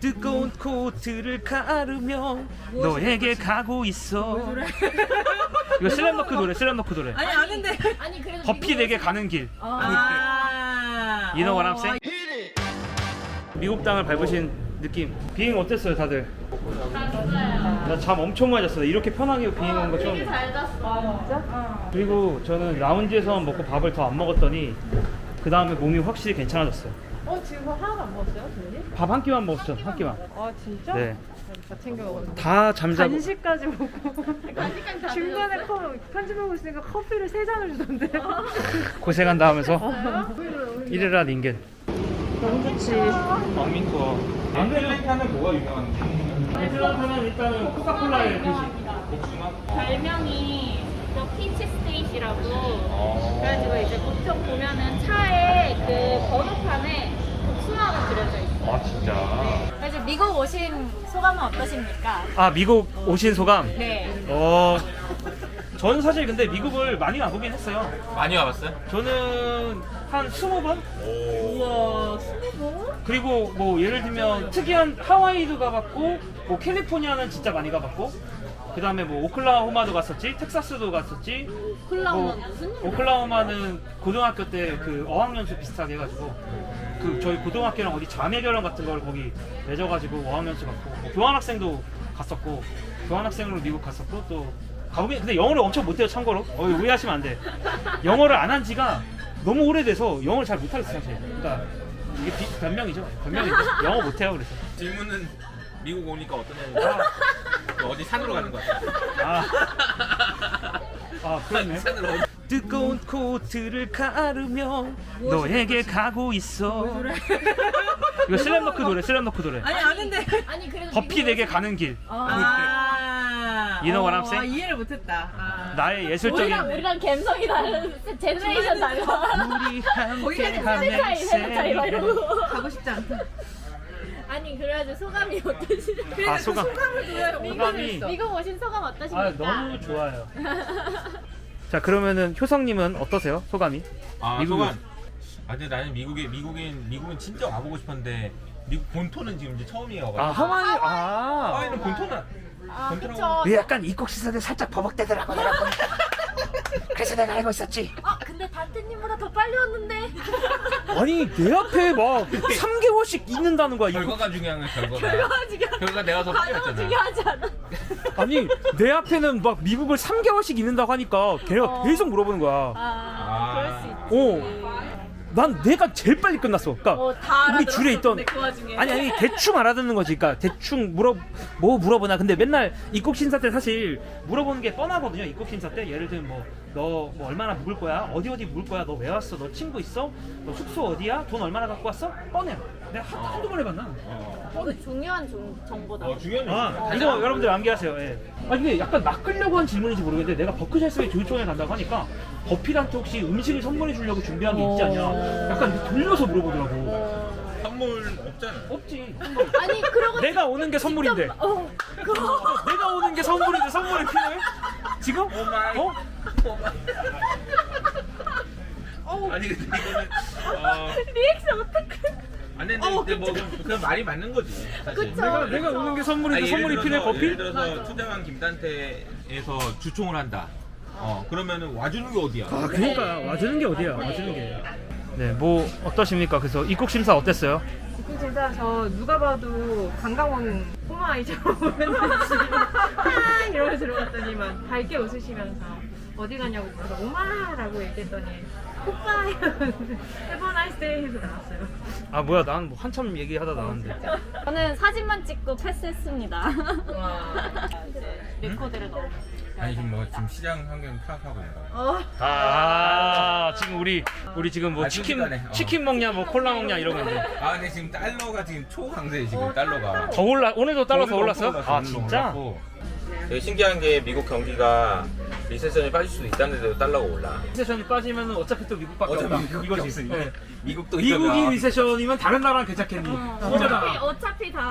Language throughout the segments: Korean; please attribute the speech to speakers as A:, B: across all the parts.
A: 뜨거운 코트를 가르며 너에게 가고 있어. 이거 슬램덩크 노래, 슬램덩크 노래.
B: 아니 아는데.
C: 아니 그래도
A: 버피 내게 가는 길.
B: 아.
A: You know what I'm saying? 미국 땅을 밟으신 느낌. 비행 어땠어요, 다들? 나 잠 엄청 많이 잤어. 이렇게 편하게 비행한 거 처음이야.
C: 잘 잤어. 진짜?
A: 그리고 저는 라운지에서 먹고 밥을 더 안 먹었더니 그 다음에 몸이 확실히 괜찮아졌어요.
B: 지금 하나도 안 먹었어요, 선생님?
A: 밥 한 끼만 먹었죠, 한 끼만.
B: 아 진짜?
A: 네.
B: 다 챙겨 먹었는데.
A: 다 잠자고.
B: 간식까지 먹고
C: 간식까지 다
B: 중간에
C: 드셨어?
B: 편집하고 있으니까 커피를 3잔을 주던데.
A: 고생한다 하면서 이래라 닌겐.
B: 너무 좋지.
A: 왕민투어. 아틀란타는 뭐가 유명한데? 아틀란타는 일단은 코카콜라의 도시. 복숭아?
C: 별명이 피치 스테이시라고. 그래가지고 이제 보통 보면은 차에 그 번호판에 복숭아가 그려져 있어.
A: 아 진짜?
C: 그래서 미국 오신 소감은 어떠십니까?
A: 아 미국 오신 소감?
C: 네.
A: 저는 사실 근데 미국을 많이 와보긴 했어요.
D: 많이 와봤어요?
A: 저는 한 20번?
B: 우와, 20번?
A: 그리고 뭐 예를 들면 특이한 하와이도 가봤고 뭐 캘리포니아는 진짜 많이 가봤고 그 다음에 뭐 오클라호마도 갔었지, 텍사스도 갔었지.
C: 오클라호마
A: 뭐,
C: 무슨 일?
A: 오클라호마는 고등학교 때 그 어학연수 비슷하게 해가지고 그 저희 고등학교랑 어디 자매결혼 같은 걸 거기 맺어가지고 어학연수 갔고 뭐 교환학생도 갔었고 교환학생으로 미국 갔었고 또 가보긴 근데 영어를 엄청 못해요 참고로. 오해하시면 안 돼. 영어를 안 한 지가 너무 오래돼서 영어를 잘 못하겠어 사실. 그러니까 이게 변명이죠. 변명인데 영어 못해요 그래서.
D: 질문은 미국 오니까 어떠냐니까 어디 산으로 가는 거 같아.
A: 그렇네.
D: 산으로 어디
A: 뜨거운 코트를 가르며 너에게 가고 있어. 이거 슬램덩크 노래, 슬램덩크 노래.
B: 아니 아는데.
C: 아니 그래도
A: 버피 내게 가는 길. You know what I'm saying?
B: 이해를 못했다.
A: 나의 예술적인
C: 우리랑 감성이 다른 제너레이션 달라.
A: 우리 함께
C: 세대 차이, 세대 차이 막
A: 하면
C: 이러고.
B: 가고 싶지 않다.
C: 아니 그래가지고 소감이 어떠시죠?
A: 아 소감. 소감이
C: 미국 오신 소감 어떠십니까?
A: 너무 좋아요. 자 그러면은 효성님은 어떠세요? 소감이? 미국은?
D: 소감. 근데 나는 미국은 진짜 와보고 싶었는데 미국 본토는 지금 이제 처음이어가지고.
A: 하와이
D: 하와이는 본토는
C: 그쵸.
A: 약간 입국 시설에 살짝 버벅대더라고 내가 보니까. 그래서 내가 알고 있었지.
C: 근데 단테님보다 더 빨리 왔는데.
A: 아니 내 앞에 막 3개월씩 있는다는 거야.
D: 결과가 중요한 거야 결과가. 결과 내가 더 빨리
C: 과정은
D: 왔잖아.
C: 중요하지 않아.
A: 아니 내 앞에는 막 미국을 3개월씩 있는다고 하니까 걔가 계속 물어보는 거야.
C: 그럴 수 있지.
A: 난 내가 제일 빨리 끝났어. 그러니까
C: 다
A: 우리 줄에 있던
B: 그 와중에.
A: 아니 대충 알아듣는 거지. 그러니까 대충 물어보나. 근데 맨날 입국 심사 때 사실 물어보는 게 뻔하거든요. 입국 심사 때 예를 들면 너 뭐 얼마나 묵을 거야? 어디 묵을 거야? 너 왜 왔어? 너 친구 있어? 너 숙소 어디야? 돈 얼마나 갖고 왔어? 뻔해. 내가 한두 번 해봤나?
C: 중요한 정보다.
D: 중요한
A: 이거 여러분들 암기하세요. 예. 이게 약간 낚으려고 한 질문인지 모르겠는데 내가 버크셔스의 조이총에 간다고 하니까 버필한테 혹시 음식을 선물해 주려고 준비한 게 있지 않냐? 약간 이렇게 돌려서 물어보더라고.
D: 선물 없잖아.
A: 없지. 선물.
C: 아니 그러고
A: 내가 오는 게 선물인데. 내가 오는 게 선물인데 선물이 필요해? 지금?
D: 오마이. 아니 근데 이거는
C: 리액션 어떡해?
D: 안 했는데 뭐 그냥 말이 맞는 거지. 사실.
C: 그쵸.
A: 내가 오는 게 선물인데
D: 아니,
A: 선물이 필요해
D: 예를
A: 버필?
D: 들어서 투자왕 김단태에서 주총을 한다. 그러면은 와주는 게 어디야?
A: 그러니까 와주는 게 어디야? 와주는 게. 네, 뭐 어떠십니까? 그래서 입국 심사 어땠어요?
B: 입국 진짜 저 누가 봐도 강강원 꼬마 아이처럼 맨날 이러면서 들어갔더니만 밝게 웃으시면서 어디 가냐고 물어서 오마라고 얘기했더니 오빠 해본 아이스데이 해서 나왔어요.
A: 뭐야 난 뭐 한참 얘기하다 나왔는데.
C: 저는 사진만 찍고 패스했습니다.
B: 와.
C: 레코드를 넣어.
D: 아니 지금 시장 환경 파악하고 있는 거야.
A: 지금 우리 지금 뭐
D: 순식간에,
A: 치킨 먹냐 뭐 콜라 먹냐 이러고 있는데.
D: 근데 지금 달러가 지금 초강세 지금 달러가.
A: 더 오늘도 달러 더 올랐어?
D: 올랐어,
A: 진짜?
D: 되게 신기한 게 미국 경기가 리세션에 빠질 수도 있다는데도 달러가 올라.
A: 리세션이 빠지면 어차피 또 미국밖에 없다. 이거지. 네.
D: 미국도
A: 미국이
D: 이러면
A: 리세션이면 다른 나라랑 괜찮겠니? 이거잖아.
C: 어차피 다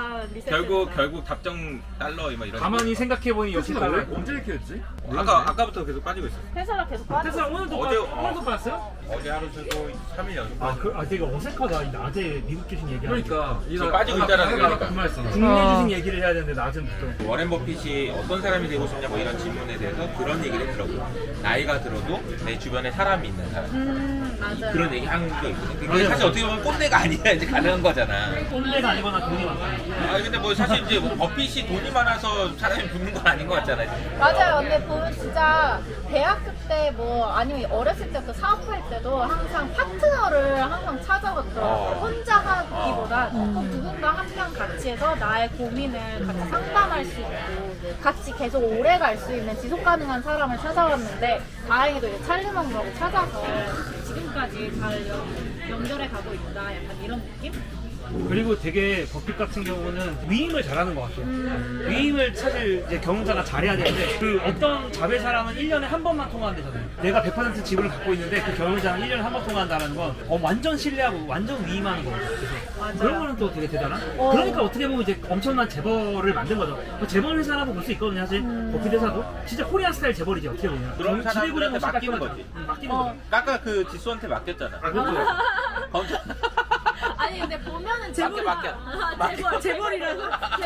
C: 리셋.
D: 결국 답정 달러 막 이런.
A: 가만히 생각해보니 역시 달라.
E: 언제 이렇게 했지?
D: 아까부터 계속 빠지고 있어.
C: 회사가 계속 빠져.
A: 테슬라 오늘도 오늘도 봤어요?
D: 어제 하루 쉬고 3일 연속.
A: 되게 어색하다. 이 낮에 미국 주식 얘기하는.
E: 그러니까
D: 지금 빠지고 있잖아, 그러니까.
E: 그 말했잖아.
A: 국내 주식 얘기를 해야 되는데 낮은부터.
D: 워렌 버핏이 어떤 사람이 되고 싶냐 뭐 이런 질문에 대해서 그런 얘기를 했더라고. 나이가 들어도 내 주변에 사람이 있는 사람.
C: 맞아요.
D: 그런 얘기 한 게 있거든. 그게 사실 어떻게 보면 꼰대가 아니라 이제 가능한 거잖아.
A: 꼰대가 아니거나 돈이 많다.
D: 근데 뭐 사실 이제 뭐 버핏이 돈이 많아서 사람이 붙는 건 아닌 것 같잖아.
C: 맞아요. 근데 보면 진짜 대학교 때 뭐 아니면 어렸을 때부터 사업할 때도 항상 파트너를 항상 찾아봤더라고요. 혼자 하기보다 꼭 누군가 한 명 같이 해서 나의 고민을 같이 상담할 수 있고 같이 계속 오래 갈 수 있는 지속 가능한 사람을 찾아왔는데 다행히도 이제 찰리먼으로 찾아서 지금까지 잘 연결해 가고 있다. 약간 이런 느낌?
A: 그리고 되게 버핏 같은 경우는 위임을 잘하는 것 같아요. 위임을 사실 이제 경영자가 잘해야 되는데 그 어떤 자회사랑은 1년에 한 번만 통화한대잖아요. 내가 100% 지분을 갖고 있는데 그 경영자랑 1년에 한 번 통화한다는 건 완전 신뢰하고 완전 위임하는 거거든요. 그래서 그런 거는 또 되게 대단한. 그러니까 어떻게 보면 이제 엄청난 재벌을 만든 거죠. 재벌 회사라고 볼 수 있거든요. 사실 버핏 회사도 진짜 코리안 스타일 재벌이지 어떻게 보면.
D: 그런 사람들한테
A: 지배구조는
D: 맡기는
A: 깎은
D: 거지.
A: 맡기는 거죠.
D: 아까 그 지수한테 맡겼잖아.
A: 그렇죠.
D: 검사.
C: 아니 근데 보면은
D: 맡겨.
B: 재벌이라서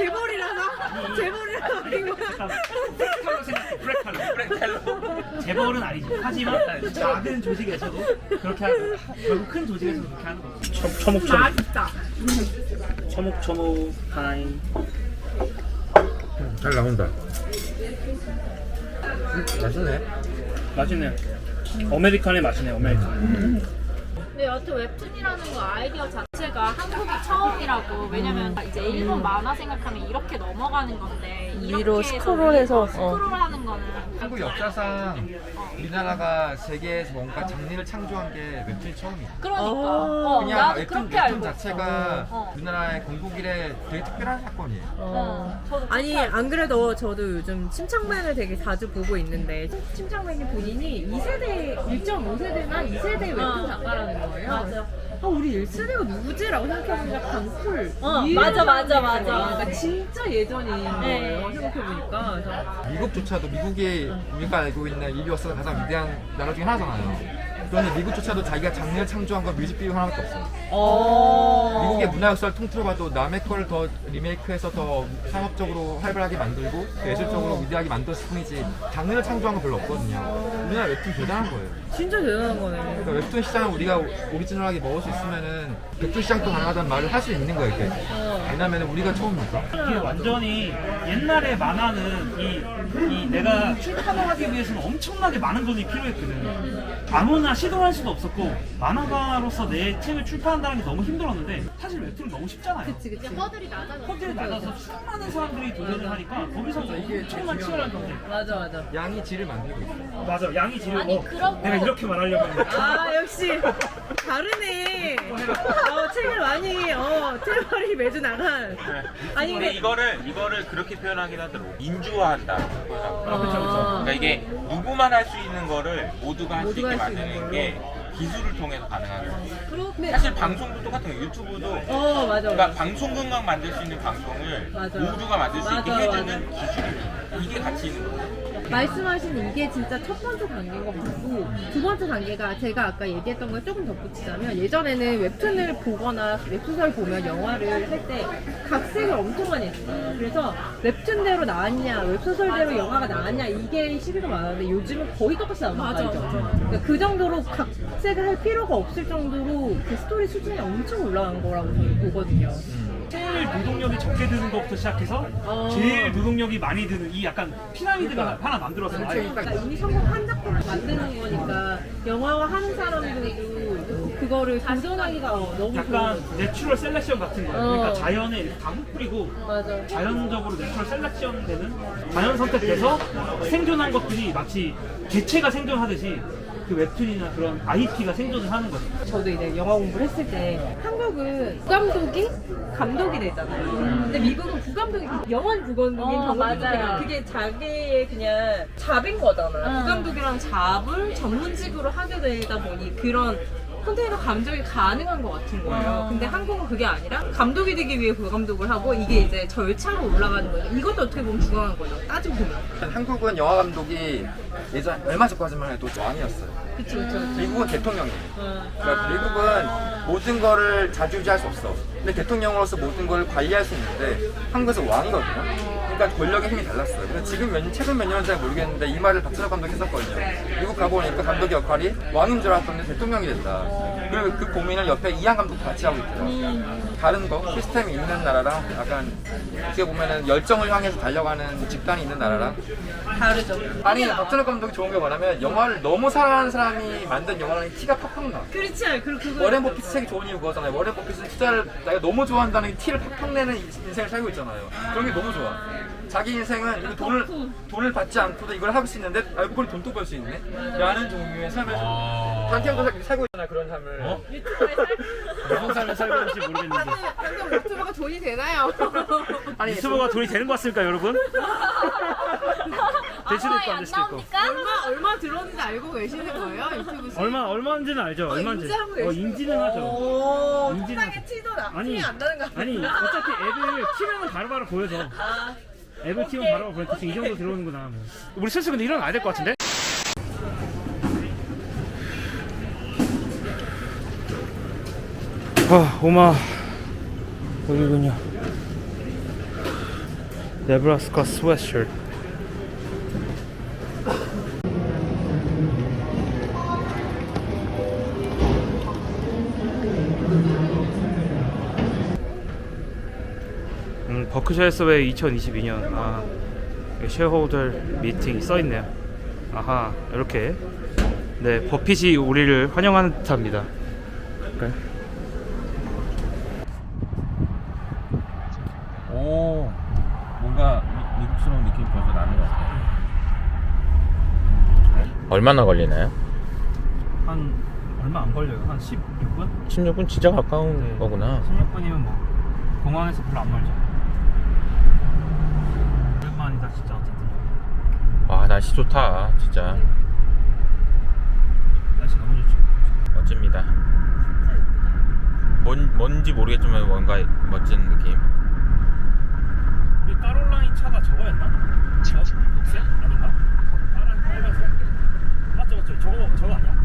B: 아니고
A: 프레칼로 생각해. 프레칼로. 재벌은 아니지. 하지만 작은 조직에서도 그렇게 하고 결국 큰 조직에서도 그렇게 하는 거죠. 초목초목.
B: 맛있다.
A: 초목초목 타임.
E: 잘 나온다. 맛있네.
A: 맛있네요. 아메리카노의 맛이네요. 아메리카노.
C: 근데 여튼 웹툰이라는 거 아이디어 자체가 한국이 처음이라고. 왜냐면 이제 일본 만화 생각하면 이렇게 넘어가는 건데
F: 위로
C: 이렇게 해서
F: 스크롤해서,
C: 스크롤하는 거는
E: 한국 역사상 우리나라가 세계에서 뭔가 장르를 창조한 게 웹툰이 처음이야.
C: 그러니까
E: 그냥
C: 나도
E: 웹툰
C: 그렇게 알고
E: 자체가
C: 있어.
E: 우리나라의 건국일에 되게 특별한 사건이에요.
C: 저도
F: 아니
C: 그렇게 알고
F: 안 그래도 저도 요즘 침착맨을 되게 자주 보고 있는데 침착맨이 본인이 2세대 1.5세대나 2세대 웹툰 작가라는 거예요.
C: 맞아.
F: 우리 1세대가 누구지라고 생각해보니까 강풀
C: 맞아.
F: 그러니까 진짜 예전인
C: 네.
F: 거예요. 생각해보니까 그래서
E: 미국조차도 미국이 우리가 알고 있는 인류 역사상 가장 위대한 나라 중에 하나잖아요. 그런데 미국조차도 자기가 장르를 창조한 건 뮤직비디오 하나밖에 없어. 미국의 문화 역사를 통틀어봐도 남의 걸 더 리메이크해서 더 상업적으로 활발하게 만들고 예술적으로 위대하게 만들었을 뿐이지 장르를 창조한 건 별로 없거든요. 우리나라 웹툰 대단한 거예요.
F: 진짜 대단한 거네.
E: 그러니까 웹툰 시장을 우리가 오리지널하게 먹을 수 있으면은 웹툰 시장도 가능하다는 말을 할 수 있는 거예요. 이게. 왜냐면 우리가 처음이니까.
A: 이게 완전히 옛날에 만화는 이 내가 출판을 하기 위해서는 엄청나게 많은 돈이 필요했거든. 아무나 시도할 수도 없었고 만화가로서 내 책을 출판한다는 게 너무 힘들었는데 사실 웹툰은 너무 쉽잖아요.
F: 그치.
C: 허들이 낮아졌어.
A: 헛들이 낮아서 수많은 사람들이 도전을 하니까 거기서 엄청난 치열한 경쟁.
F: 맞아.
E: 양이 질을 만들고 있어.
A: 맞아, 양이 지르고
C: 아니, 그러고-
A: 내가 이렇게 말하려고 했는데
F: 아 역시 다르네. 책을 많이 트레버리 매주 나간. 아니
D: 근데
F: 근데
D: 이거를 그렇게 표현하긴 하더라고. 인주화한다.
A: 그쵸.
D: 그러니까 이게 누구만 할 수 있는 거를 모두가 할 수 있게
F: 모두가 할수
D: 만드는
F: 있는
D: 게 기술을 통해서 가능한 거지.
F: 그렇네.
D: 사실 방송도 똑같은 거예요. 유튜브도
F: 맞아.
D: 그러니까 방송국만 만들 수 있는 방송을
F: 맞아.
D: 모두가 만들 수 있게
F: 맞아,
D: 해주는 기술이에요. 이게 가치 있는 거예요.
F: 말씀하신 이게 진짜 첫 번째 단계인 것 같고 두 번째 단계가 제가 아까 얘기했던 걸 조금 덧붙이자면 예전에는 웹툰을 보거나 웹소설 보면 영화를 할 때 각색을 엄청 많이 했어요. 그래서 웹툰대로 나왔냐 웹소설대로 영화가 나왔냐 이게 시비가 많았는데 요즘은 거의 똑같이 나오는 거죠. 그러니까 그 정도로 각색을 할 필요가 없을 정도로 그 스토리 수준이 엄청 올라간 거라고 저는 보거든요.
A: 제일 노동력이 적게 드는 것부터 시작해서 제일 노동력이 많이 드는 이 약간 피라미드가 하나 만들어서
F: 그러니까 이미 성공한 작품을 만드는 거니까 영화화 하는 사람들도 그거를 도전하기가 너무
A: 약간 내추럴 셀렉션 같은 거예요. 그러니까 자연에 이렇게 다 뿌리고
F: 맞아.
A: 자연적으로 내추럴 셀렉션 되는 자연 선택돼서 생존한 것들이 마치 개체가 생존하듯이 그 웹툰이나 그런 IP가 생존을 하는 거죠.
F: 저도 이제 영화 공부를 했을 때 한국은 부감독이 감독이 되잖아요. 근데 미국은 부감독이 영원 부감독인 경우가
C: 맞아요.
F: 그게 자기의 그냥 잡인 거잖아요. 부감독이랑 잡을 전문직으로 하게 되다 보니 그런
B: 컨테이너 감독이 가능한 것 같은 거예요. 근데 한국은 그게 아니라 감독이 되기 위해 부감독을 하고 이게 이제 절차로 올라가는 거죠. 이것도 어떻게 보면 중요한 거죠. 따지고 보면.
E: 한국은 영화 감독이 예전 얼마 전까지만 해도 왕이었어요.
B: 그쵸, 그쵸.
E: 미국은 대통령이에요. 그러니까 미국은 모든 거를 좌지우지할 수 없어. 근데 대통령으로서 모든 걸 관리할 수 있는데 한국에서 왕이거든요. 그러니까 권력의 힘이 달랐어요. 근데 지금 최근 몇 년은 잘 모르겠는데 이 말을 박찬욱 감독이 했었거든요. 미국 가보니까 감독의 역할이 왕인 줄 알았던데 대통령이 됐다. 그리고 그 고민을 옆에 이한 감독도 같이 하고 있더라고요. 다른 거 시스템이 있는 나라랑 약간 어떻게 보면은 열정을 향해서 달려가는 집단이 있는 나라랑
B: 다르죠.
E: 아니 박찬욱 감독이 좋은 게 뭐냐면 영화를 너무 사랑하는 사람이 만든 영화라는 티가 팍팍 나.
B: 그렇지 않아요. 그거.
E: 워렌 버핏 책이 좋은 이유 그거잖아요. 워렌 버핏은 투자를 내가 너무 좋아한다는 티를 팍팍 내는 인생을 살고 있잖아요. 그런 게 너무 좋아. 자기 인생은 이거 돈을 받지 않고도 이걸 할 수 있는데 알고 보니 돈도 벌 수 있네? 라는 종류의 삶을 단티형도 살고 있잖아요. 그런 삶을.
B: 유튜브에 살
A: 무슨 삶을 살고 있는지 모르겠는데
F: 방금 유튜버가 돈이 되나요?
E: 아니
A: 유튜버가 돈이 되는 것 같습니까 여러분? 될 수도 있고 안 될 수도 있고
F: 얼마 들었는지 알고 계시는 거예요? 유튜브 수익?
A: 얼마인지는 알죠. 얼마인지.
F: 인지하고 계시는
A: 인지는 하죠.
F: 오,
A: 인지는
F: 세상에 티도 나.
A: 아니,
F: 티안 나는 거 아니에요?
A: 아니 어차피 앱을 키면 바로바로 보여서 앱을 키면 바로바로 보여. 대충 이 정도 들어오는구나 뭐. 우리 슬슬 근데 일어나야 될 것 같은데? 아 오마 여기군요. 네브라스카 스웨트셔츠. 버크셔 서웨이 2022년 쉐어홀더 미팅이 써있네요. 아하 이렇게 네 버핏이 우리를 환영하는 듯합니다. 그래.
D: 오, 뭔가 미국스러운 느낌이 벌써 나는 것 같아요. 얼마나 걸리나요?
A: 한 얼마 안 걸려요. 한 16분?
D: 16분 진짜 가까운
A: 네.
D: 거구나.
A: 16분이면 뭐 공항에서 별로 안 멀죠. 오랜만이다 진짜 어쨌든.
D: 와, 날씨 좋다, 진짜.
A: 날씨 너무 좋죠.
D: 멋집니다. 뭔지 모르겠지만 뭔가 멋진 느낌.
A: 우리 까롤라인 차가 저거였나? 녹색? 아닌가? 파란 빨간색? 맞죠 맞죠. 저거 아니야?